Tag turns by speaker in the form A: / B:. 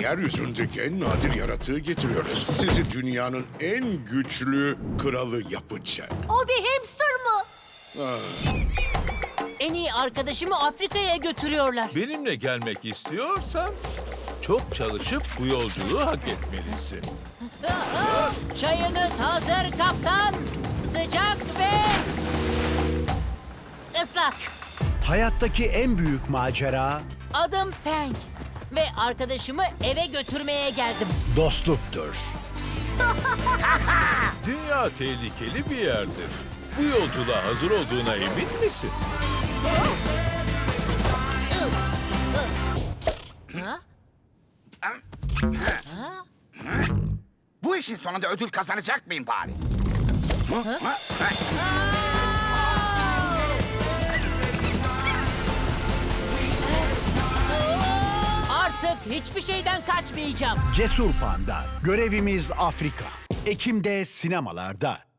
A: yeryüzündeki en nadir yaratığı getiriyoruz. Sizi dünyanın en güçlü kralı yapacak.
B: O bir hamster mı?
C: En iyi arkadaşımı Afrika'ya götürüyorlar.
D: Benimle gelmek istiyorsan çok çalışıp bu yolculuğu hak etmelisin.
C: Çayınız hazır kaptan. Sıcak ve ıslak.
E: Hayattaki en büyük macera
C: Adım Feng ve arkadaşımı eve götürmeye geldim.
E: dostluktur.
D: Dünya tehlikeli bir yerdir. Bu yolculuğa hazır olduğuna emin misin?
F: Bu işin sonunda ödül kazanacak mıyım bari?
C: Artık hiçbir şeyden kaçmayacağım.
E: Cesur Panda. Görevimiz Afrika. Ekim'de sinemalarda.